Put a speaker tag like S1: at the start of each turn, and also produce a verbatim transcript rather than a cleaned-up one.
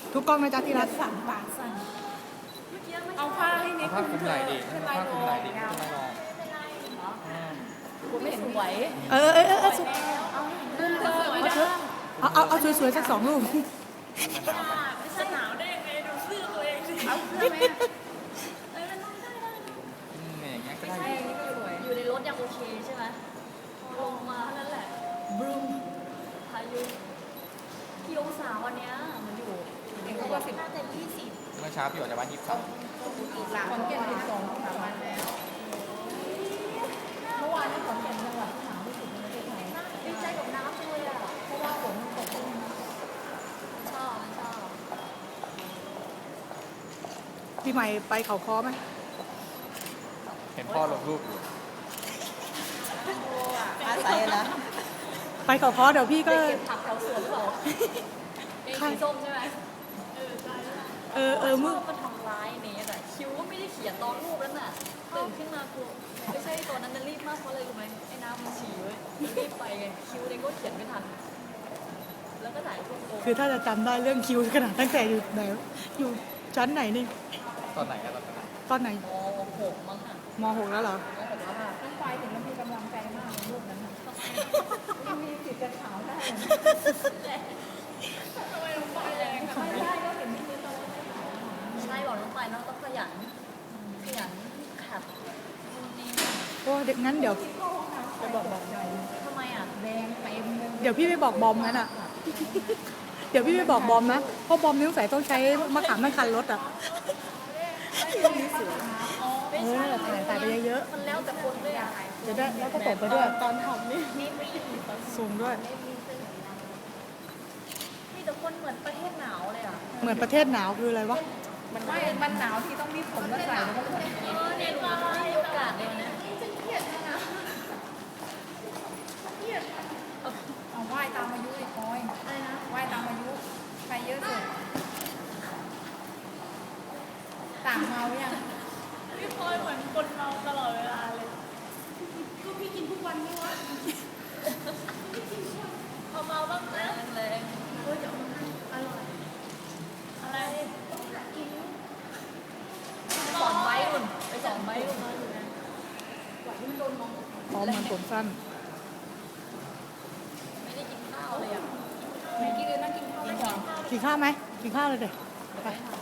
S1: ทุกกล้องนะจ๊ะที่รัก
S2: สั่งปากสั่งเอาผ้าให้นิด
S3: ผ้าคลุมไหล่ดิ
S2: เป็น
S3: ผ้า
S2: ลาย
S3: ค
S2: โล
S3: ลุมไหล่ดิ
S2: เงา
S3: ไม่ต้องรอ
S2: กูไม่สวย
S1: เออเออเออเออสุด
S2: เธอสวยนะ
S1: เอาเอาเอาสวยๆสักสองรูป
S2: ไม่ใช่หนาวได้ยังไงดูเสื้อตัวเองสิเอาเสื้อไหมเอ้ยมันต้องได้ได้
S3: อืมเนี่ยอย่างเงี้ยก็ได้
S2: ใช่นี่ก็สวยอยู่ในรถยังโอเคใช่ไหมลงมาเท่านั้นแหละบรูมพายุกี่องศาวันเนี้ยมันอยู่เด็กเขาบอกสิบห้าแต่ยี่สิบ
S3: เมื่อเช้าพี่ออกจากบ้านยี่สิบสาม
S2: หลังขอนแก่นสิบสองสามวันแล้วเมื่อวานนี้ขอนแก่นจังหวัดที่หนาวที่สุดในประเทศไทยดีใจกับน้ำเลยอ่ะเพราะว่าฝนมันตกลงมาชอบชอบ
S1: พี่ใหม่ไปเขาคอไหม
S3: เห็นพ่อลงรูปอยู่
S2: อาศัยนะ
S1: ไปเขาคอเดี๋ยวพี่ก็
S2: เก็บผักแถวสวนหรือเปล่าเองสีส้มใช่ไหมเออใช่
S1: เออเออ
S2: มึ
S1: มึ
S2: ง
S1: ง
S2: มันทำร้ายเนสอะคิวก็ไม่ได้เขียนตอนรูปแล้วน่ะตื่นขึ้นมากลัวไม่ใช่ตัวนั้นน่ะรีบมากเพราะอะไรรู้ไหมไอ้น้ำมันฉี่เว้ยรีบไปไงคิวเองก็เขียนไม่ทัน แล้วก็ถ่ายรูปโ
S1: คือถ้าจะจำได้เรื่องคิวขนาดตั้งแต่อยู่ไหนอยู่ชั้นไหนนี่
S3: ตอนไหนกันตอนนั้น
S1: ตอนไหน
S2: มหกมั้งค่ะ
S1: มหกแล้วเหรอ
S2: มหกแล้วค่ะน้องไฟถึงมันมีกำลังใจมากในรูปนั้นน่ะยังมีสิทธิ์จะขาวได้ทำไมน้องไฟแรงไม่ได้ก็เห็นที่ตอนใช่บอกน้องไฟน้องต้องขยันขยันขับนี่
S1: โอ้เด็กงั้นเดี๋ยวจะบอกบอก
S2: ทำไมอ่ะแดงเต็มเลย
S1: เดี๋ยวพี่ไปบอกบอมงั้นอ่ะ เดี๋ยวพี่ไปบอกบอมนะเพราะบอมนิ้วใส่ต้องใช้มะขามทั้งคันรถอ่ะ
S2: ไม่
S1: เอ
S2: ใช่
S1: อใส่ใส่ไปเยอะ
S2: มันแล้วแต่คนด้วยอ่ะ
S1: ๆจะได้แล้วก็ตบไปด้วย
S2: ตอนทำนี่นี่ไม่
S1: สูงด้วย
S2: มีแต่คนเหมือนประเทศหนาวเลยอ่ะ
S1: เหมือนประเทศหนาวคืออะไรวะ
S2: มันไม่มันหนาวที่ต้องมีผมแล้วใส่แล้วก็เออเนี่ยดูไม่มีโอกาสเลยนะเครียดนะเครียดเอาไหว้ตามอายุอีกพอยอะไรนะไหว้ตามอายุใครเยอะสุดต่างเมายังพี่พลอยเหมือนคนเมาตลอดเวลาเลยก็พี่กินทุกวันนี่วะเอาเมาบ้างนะแรงๆเฮ้ยเดี๋ยวมันอร่อยอะไรต้องหากินสอนไว้อุ่นไปสอนไว้อุ่นมาอยู่นะกว่าที่มันโดนมอง
S1: พร้อมมันผมสั้น
S2: ไม่ได้กินข้าวเลยอ่ะไม่กินเลยนั่งกินข้าวไม่กินข้าว
S1: กินข้าวไหมกินข้าวเลยเด็กไป
S2: ไป